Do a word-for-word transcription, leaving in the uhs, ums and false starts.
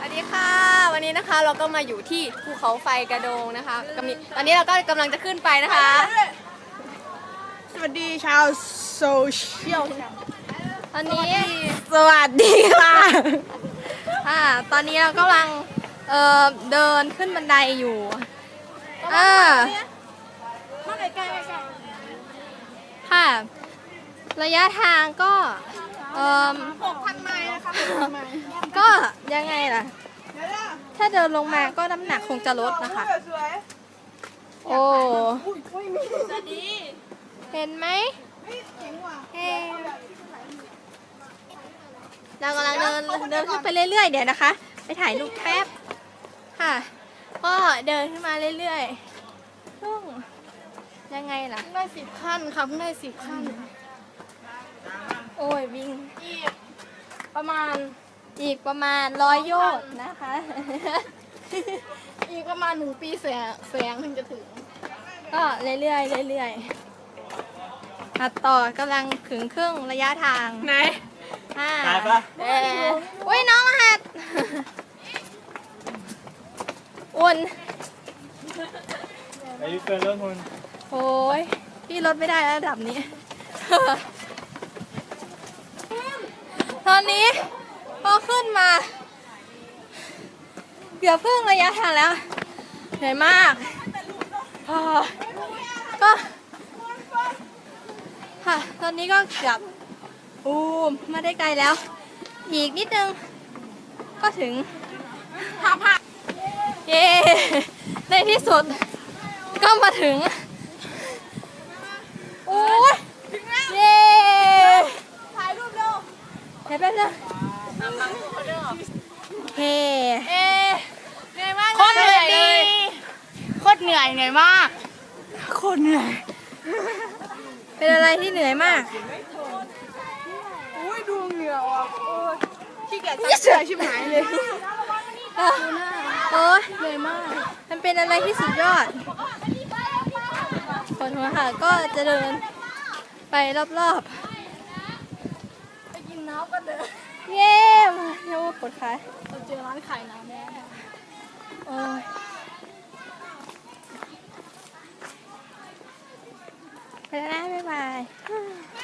วัสดีค่ะวันนี้นะคะเราก็มาอยู่ที่ภูเขาไฟกระโดงนะคะกำลังตอนนี้เราก็กำลังจะขึ้นไปนะคะสวัสดีชาวโซเชียลตอนนี้สวัสดีค่ะอ่าตอนนี้เรากำลังเอ่อเดินขึ้นบันไดอยู่อ่าค่ะระยะทางก็เอ่อหกพันไมล์นะคะไมล์ก็ยังไงล่ะถ้าเดินลงมาก็น้ำหนักคงจะลดนะคะโอ้เห็นไหมเฮ้เรากำลังเดินเดินขึ้นไปเรื่อยๆเดี๋ยวนะคะไปถ่ายรูปแป๊บค่ะก็เดินขึ้นมาเรื่อยๆซึ่งยังไงล่ะได้สิบขั้นค่ะเพิ่งได้สิบขั้นโอ้ยวิ่งอีกประมาณอีกประมาณร้อยโยชน์นะคะอีกประมาณหนึ่งปีแสงแสงถึงจะถึงก็เรื่อยๆเรื่อยๆตัดต่อกำลังถึงครึ่งระยะทางไหนอ่าตายปะเอออุ้ยน้องรหัสอุ่นอายุเกินเรื่องคุณโอ้ยพี่ลดไม่ได้ระดับนี้ ตอนนี้พอขึ้นมาเกือบครึ่งระยะทางแล้วเหนื่อยมากพอก็ค่ะตอนนี้ก็เกือบอูมมาได้ไกลแล้ว อีกนิดนึงก็ถึงท่าพักเย้ในที่สุดก็มาถึงโอ้ยเย้ถ่ายรูปเร็วเดี๋ยวแป๊บนึงเฮ้เอ๊เหนื่อยมากโคตรเหนื่อยเลยโคตรเหนื่อยเหนื่อยมากโคตรเหนื่อยเป็นอะไรที่เหนื่อยมากอุ้ยดูเหงื่ออ่ะโอ้ยขี้เกียจซักเสื้อชิบหายเลยโอ้ยเหนื่อยมากมันเป็นอะไรที่สุดยอดคนหัวค่ะก็จะเดินไปรอบไปกินน้ำกันเลยๆ เย้มาเรียกว่าปวดขาเราเจอร้านขายน้ำแน่โอ้ยไปแล้วนะบ๊ายบาย